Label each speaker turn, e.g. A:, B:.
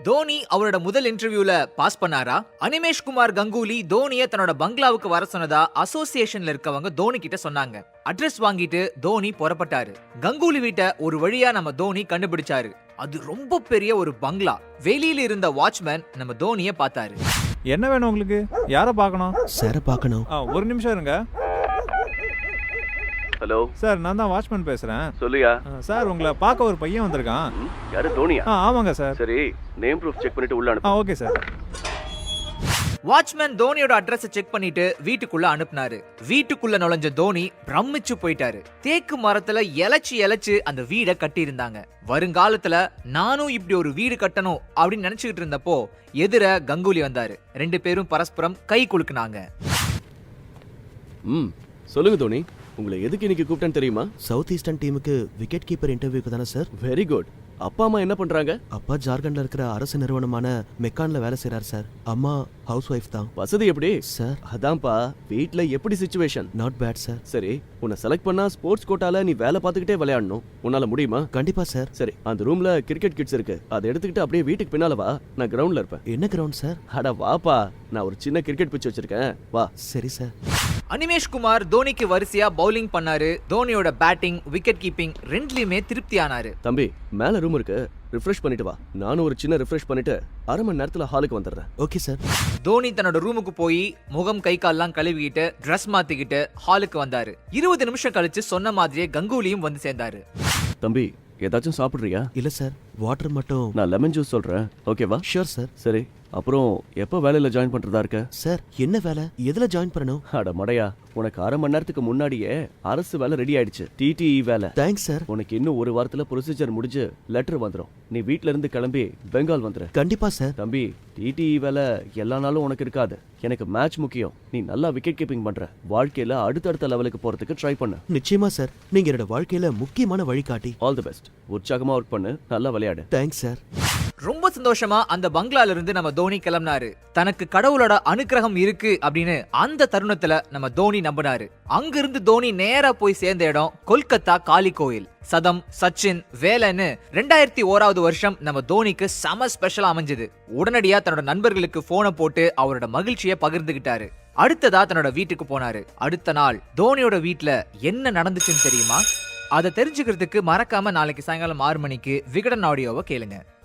A: தோனி அவரோட முதல் இன்டர்வியூல பாஸ் பண்ணாரா? அனிமேஷ் குமார் கங்குலி தோனியை தன்னோட பங்களாவுக்கு வர சொன்னதா அசோசியேஷன்ல இருக்கவங்க தோனி கிட்ட சொன்னாங்க. அட்ரஸ் வாங்கிட்டு தோனி புறப்பட்டாரு. கங்குலி வீட்டை ஒரு வழியா நம்ம தோனி கண்டுபிடிச்சாரு. அது ரொம்ப பெரிய ஒரு பங்களா. வெளியில இருந்த வாட்ச்மேன் நம்ம தோனியை பார்த்தாரு.
B: என்ன வேணும் உங்களுக்கு? யார பார்க்கணும்?
C: சார பார்க்கணும்.
B: ஒரு நிமிஷம் இருங்க.
D: ஹலோ
B: சார், நான் தான் வாட்ச்மேன் பேசுறேன்.
D: சொல்லுயா.
B: சார், உங்களை பார்க்க ஒரு பையன் வந்திருக்கான்.
D: யாரு? தோனியா?
B: ஆமாங்க சார்.
D: சரி, நேம் ப்ரூஃப் செக் பண்ணிட்டு உள்ள அனுப்பு.
B: Okay sir.
A: வாட்ச்மேன் தோனியோட அட்ரஸ் செக் பண்ணிட்டு வீட்டுக்குள்ள அனுப்புனாரு. வீட்டுக்குள்ள நுழைஞ்ச தோனி பிரமிச்சு போயிட்டாரு. தேக்கு மரத்துல இலைச்சு அந்த வீடை கட்டி இருந்தாங்க. வருங்காலத்துல நானும் இப்படி ஒரு வீடு கட்டணும் அப்படின்னு நினைச்சுக்கிட்டு இருந்தப்போ எதிர கங்குலி வந்தாரு. ரெண்டு பேரும் பரஸ்பரம் கை குலுக்குனாங்க.
D: சொல்லுங்க தோனி, உங்களை எதுக்கு இன்னைக்கு கூப்பிட்டேன்னு தெரியுமா?
C: சவுத் ஈஸ்டர்ன் டீமுக்கு விக்கெட் கீப்பர் இன்டர்வியூக்கு தானே சார்?
D: Very good. அப்பா அம்மா என்ன பண்றாங்க?
C: அப்பா ஜார்க்கண்ட்ல இருக்கிற அரசு நிறுவனமான மெக்கான்ல வேலை செய்றாரு சார். அம்மா ஹவுஸ் ஒய்ஃப் தான்.
D: வசதி எப்படி
C: சார்?
D: அதான்ப்பா, வீட்ல எப்படி சிச்சுவேஷன்?
C: Not bad sir.
D: சரி, உன்னை செலக்ட் பண்ணா ஸ்போர்ட்ஸ் கோட்டால நீ வேலை பார்த்துக்கிட்டே விளையாடணும். உன்னால முடியுமா?
C: கண்டிப்பா சார்.
D: சரி, அந்த ரூம்ல கிரிக்கெட் கிட்ஸ் இருக்கு. அதை எடுத்துக்கிட்டு அப்படியே வீட்டுக்கு பின்னால வா. நான் கிரவுண்ட்ல இருப்பேன்.
C: என்ன கிரவுண்ட் சார்?
D: அட வாப்பா, நான் ஒரு சின்ன கிரிக்கெட் பிட்ச் வச்சிருக்கேன், வா.
C: சரி சார்.
A: அனிமேஷ் குமார் தோனிக்கு வரிசையா பவுலிங் பண்ணாரு. தோனியோட பேட்டிங், விக்கெட் கீப்பிங் ரெண்டுலயுமே திருப்தி ஆனாரு.
D: தம்பி, மேல ரூம் இருக்கு, ரிஃப்ரெஷ் பண்ணிட்டு வா. நானும் ஒரு சின்ன ரிஃப்ரெஷ் பண்ணிட்டு அரை மணி நேரத்துல ஹாலுக்கு வந்துடுறேன்.
C: Okay sir.
A: தோனி தன்னோட ரூமுக்கு போய் முகம் கை கால்லாம் கழுவிக்கிட்டு ட்ரெஸ் மாத்திக்கிட்டு ஹாலுக்கு வந்தாரு. 20 நிமிஷம் கழிச்சு சொன்ன மாதிரியே கங்குலியும் வந்து சேர்ந்தாரு.
D: தம்பி, ஏதாச்சும் சாப்பிடுறியா?
C: இல்ல சார், வாட்டர் மட்டும்.
D: நான் லெமன் ஜூஸ் சொல்றேன், ஓகேவா?
C: Sure sir.
D: சரி, அப்புறம் எப்போ வேலையில ஜாயின் பண்றதா இருக்க?
C: சார், என்ன வேலை? எதுல ஜாயின் பண்ணணும்?
D: அட மடையா, உனக்கு அரை மணி நேரத்துக்கு முன்னாடியே அரசு வேலை ரெடி ஆயிடுச்சு. டிடிஇ வேலை.
C: Thanks sir.
D: உனக்கு இன்னும் ஒரு வாரத்துல ப்ரொசீஜர் முடிஞ்சு லெட்டர் வந்துடும். நீ வீட்ல இருந்து கிளம்பி பெங்கால் வந்துரு.
C: கண்டிப்பா சார்.
D: தம்பி, டிடிஇ வேலை எல்லா நாளும் உனக்கு இருக்காது. எனக்கு மேட்ச் முக்கியம். நீ நல்லா விக்கெட் கீப்பிங் பண்ற. வாழ்க்கையில அடுத்தடுத்த லெவலுக்கு போறதுக்கு ட்ரை பண்ணு.
C: நிச்சயமா சார். நீங்க என்னோட வாழ்க்கையில முக்கியமான வழிகாட்டி.
D: All the best. உற்சாகமா ஒர்க் பண்ணு, நல்லா விளையாடு.
C: Thanks sir.
A: ரொம்ப சந்தோஷமா அந்த பங்களால இருந்து நம்ம தோனி கிளம்பினாரு. தனக்கு கடவுளோட அனுக்கிரகம் இருக்கு அப்படின்னு அந்த தருணத்துல நம்ம தோனி நம்பினாரு. அங்கிருந்து தோனி நேரா போய் சேர்ந்த இடம் கொல்கத்தா காளி கோயில். சதம், சச்சின், வேலைன்னு 2001 வருஷம் நம்ம தோனிக்கு செம ஸ்பெஷலா அமைஞ்சது. உடனடியா தன்னோட நண்பர்களுக்கு போனை போட்டு அவரோட மகிழ்ச்சியை பகிர்ந்துகிட்டாரு. அடுத்ததா தன்னோட வீட்டுக்கு போனாரு. அடுத்த நாள் தோனியோட வீட்டுல என்ன நடந்துச்சுன்னு தெரியுமா? அதை தெரிஞ்சுக்கிறதுக்கு மறக்காம நாளைக்கு சாயங்காலம் 6 மணிக்கு விகடன் ஆடியோவை கேளுங்க.